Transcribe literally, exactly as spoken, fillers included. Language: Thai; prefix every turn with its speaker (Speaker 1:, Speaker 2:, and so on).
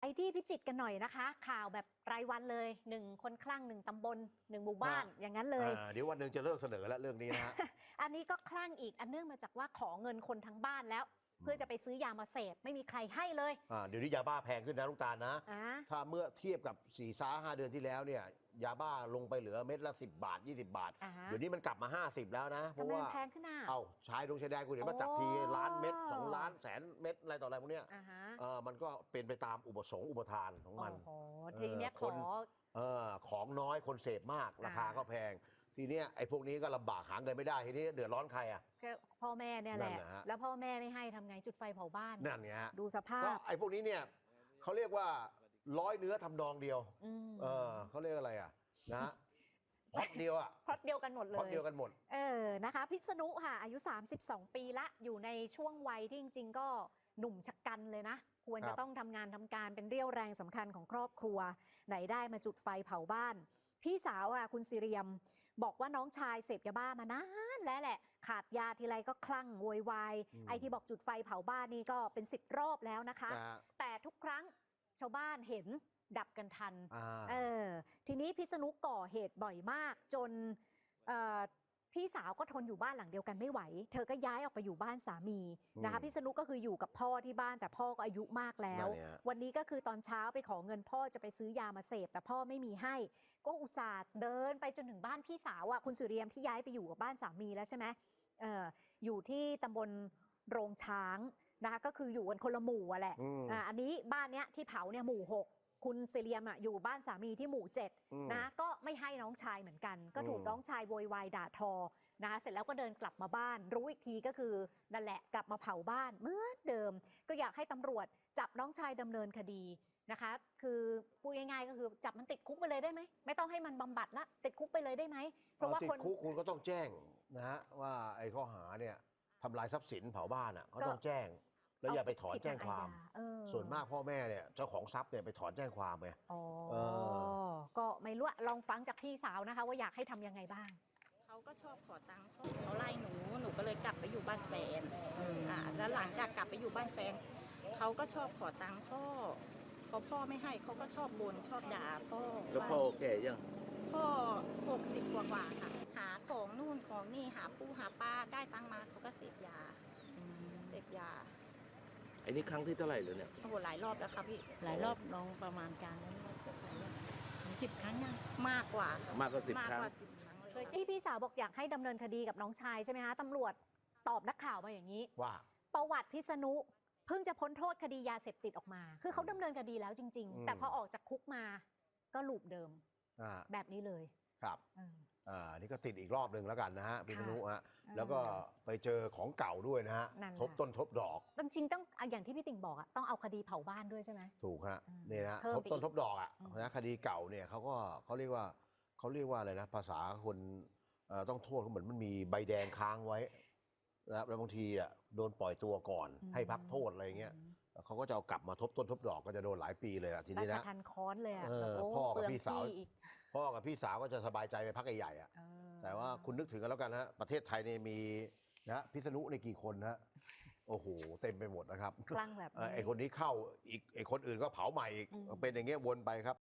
Speaker 1: ไปที่พิจิตรกันหน่อยนะคะข่าวแบบรายวันเลยหนึ่งคนคลั่งหนึ่งตำบลหนึ่งหมู่บ้านอย่างนั้นเลย
Speaker 2: เดี๋ยววันหนึ่งจะเลิกเสนอแล้วเรื่องนี้นะฮะ
Speaker 1: อันนี้ก็คลั่งอีกอันเนื่องมาจากว่าขอเงินคนทั้งบ้านแล้วเพื่อจะไปซื้อยามาเสพไม่มีใครให้เลย
Speaker 2: เดี๋ยวนี้ยาบ้าแพงขึ้นนะลูกตาลนะถ้าเมื่อเทียบกับสี่ซ้าห้าเดือนที่แล้วเนี่ยยาบ้าลงไปเหลือเม็ดละสิบบาทยี่สิบบาทเดี๋ยวนี้มันกลับมาห้าสิบแล้วนะเพราะว่า
Speaker 1: แพงขึ้นอ่ะ
Speaker 2: เอ้าชายดงชายแดนคุณเห็นว่าจับทีล้านเม็ดสองล้านแสนเม็ดอะไรต่ออะไรพวกเนี้ยมันก็เป็นไปตามอุปสงค์อุปทานของมัน
Speaker 1: ทีนี้ขอ
Speaker 2: ของน้อยคนเสพมากราคาก็แพงทีนี้ไอ้พวกนี้ก็ลำบากหาเงินไม่ได้ทีนี้เดือดร้อนใครอ่ะ
Speaker 1: พ่อแม่เนี่ยแหละแล้วพ่อแม่ไม่ให้ทำไงจุดไฟเผาบ้าน
Speaker 2: นั่นไง
Speaker 1: ดูสภาพ
Speaker 2: ก็ไอ้พวกนี้เนี่ยเขาเรียกว่าร้อยเนื้อทำนองเดียวเออเขาเรียกอะไรอ่ะนะพล็อตเดียวอ่ะ
Speaker 1: พล็อตเดียวกันหมดเลย
Speaker 2: พล็อตเดียวกันหมด
Speaker 1: เออนะคะพิษณุค่ะอายุสามสิบสองปีละอยู่ในช่วงวัยที่จริงๆก็หนุ่มชะกันเลยนะควรจะต้องทำงานทำการเป็นเรี่ยวแรงสำคัญของครอบครัวไหนได้มาจุดไฟเผาบ้านพี่สาวอ่ะคุณสิเรียมบอกว่าน้องชายเสพยาบ้ามานานแล้วแหละขาดยาทีไรก็คลั่งโวยวายไอ้ที่บอกจุดไฟเผาบ้านนี่ก็เป็นสิบรอบแล้วนะคะแต่ทุกครั้งชาวบ้านเห็นดับกันทันเออทีนี้พิษณุก่อเหตุบ่อยมากจนพี่สาวก็ทนอยู่บ้านหลังเดียวกันไม่ไหวเธอก็ย้ายออกไปอยู่บ้านสามีนะคะพิษณุก็คืออยู่กับพ่อที่บ้านแต่พ่อก็อายุมากแล้ววันนี้ก็คือตอนเช้าไปขอเงินพ่อจะไปซื้อยามาเสพแต่พ่อไม่มีให้ก็อุตส่าห์เดินไปจนถึงบ้านพี่สาวอ่ะคุณสุเรียมที่ย้ายไปอยู่กับบ้านสามีแล้วใช่ไหมเอออยู่ที่ตำบลโรงช้างนะคะก็คืออยู่กันคนละหมู่อ่ะแหละอ่าอันนี้บ้านเนี้ยที่เผาเนี่ยหมู่หกคุณเซเลียมอ่ะอยู่บ้านสามีที่หมู่เจ็ดนะก็ไม่ให้น้องชายเหมือนกันก็ถูกน้องชายโวยวายด่าทอนะคะเสร็จแล้วก็เดินกลับมาบ้านรู้อีกทีก็คือนั่นแหละกลับมาเผาบ้านเหมือนเดิมก็อยากให้ตำรวจจับน้องชายดำเนินคดีนะคะคือพูดง่ายๆก็คือจับมันติดคุกไปเลยได้ไหมไม่ต้องให้มันบำบัดละติดคุกไปเลยได้ไหม
Speaker 2: เพราะว่าติดคุกคุณก็ต้องแจ้งนะฮะว่าไอ้ข้อหาเนี่ยทำลายทรัพย์สินเผาบ้านอ่ะก็ต้องแจ้งแล้วอย่าไปถอนแจ้งความส่วนมากพ่อแม่เนี่ยเจ้าของทรัพย์เนี่ยไปถอนแจ้งความไง
Speaker 1: อ๋อก็ไม่รู้ลองฟังจากพี่สาวนะคะว่าอยากให้ทำยังไงบ้าง
Speaker 3: เขาก็ชอบขอตังค์เขาไล่หนูหนูก็เลยกลับไปอยู่บ้านแฟนอ่าแล้วหลังจากกลับไปอยู่บ้านแฟนเขาก็ชอบขอตังค์พ่อพอพ่อไม่ให้เขาก็ชอบบ่นชอบด่าพ่อ
Speaker 4: แล้วพ่อโอเคยัง
Speaker 3: พ่อหกสิบกว่าๆค่ะหาของนู่นของนี่หาปูหาปลาได้ตังค์มาเขาก็เสพยาเสพยา
Speaker 4: ไอ้นี่ครั้งที่เท่าไหร่เลยเนี่ย
Speaker 3: โอ้โหหลายรอบแล้วครับพี่
Speaker 5: หลายรอบน้องประมาณการนั้นสิบครั้งยัง
Speaker 3: มากกว่าม
Speaker 4: ากกว่าสิบครั้ง
Speaker 1: เลยที่พี่สาวบอกอยากให้ดำเนินคดีกับน้องชายใช่ไหมคะตำรวจตอบนักข่าวมาอย่างนี้
Speaker 2: ว่า
Speaker 1: ประวัติพิษณุเพิ่งจะพ้นโทษคดียาเสพติดออกมาคือเขาดำเนินคดีแล้วจริงๆแต่พอออกจากคุกมาก็ลูปเดิมแบบนี้เลย
Speaker 2: ครับอ่านี่ก็ติดอีกรอบหนึ่งแล้วกันนะฮะพิษณุฮะแล้วก็ไปเจอของเก่าด้วยนะฮะทบต้นทบดอก
Speaker 1: จริงๆต้องอย่างที่พี่ติ่งบอกอะต้องเอาคดีเผาบ้านด้วยใช่ไหม
Speaker 2: ถูกฮะนี่นะทบต้นทบดอกอะนะคดีเก่าเนี่ยเขาก็เขาเรียกว่าเขาเรียกว่าอะไรนะภาษาคนต้องโทษเขาเหมือนมันมีใบแดงค้างไว้นะแล้วบางทีอ่ะโดนปล่อยตัวก่อนให้พักโทษอะไรเงี้ยเขาก็จะเอากลับมาทบต้นทบดอกก็จะโดนหลายปีเลยอ่ะทีนี้นะ
Speaker 1: ราชทัณฑ์ค้อนเลยอ่ะ
Speaker 2: พ่อกับพี่สาวพ่อกับพี่สาวก็จะสบายใจไปพักใหญ่ๆอ่ะแต่ว่าคุณนึกถึงกันแล้วกันนะประเทศไทยเนี่ยมีนะพิษณุในกี่คนนะโอ้โหเต็มไปหมดนะครับ
Speaker 1: คลั่งแบบ
Speaker 2: ไอ้คนนี้เข้าอีกไอ้คนอื่นก็เผาใหม่อีกเป็นอย่างเงี้ยวนไปครับ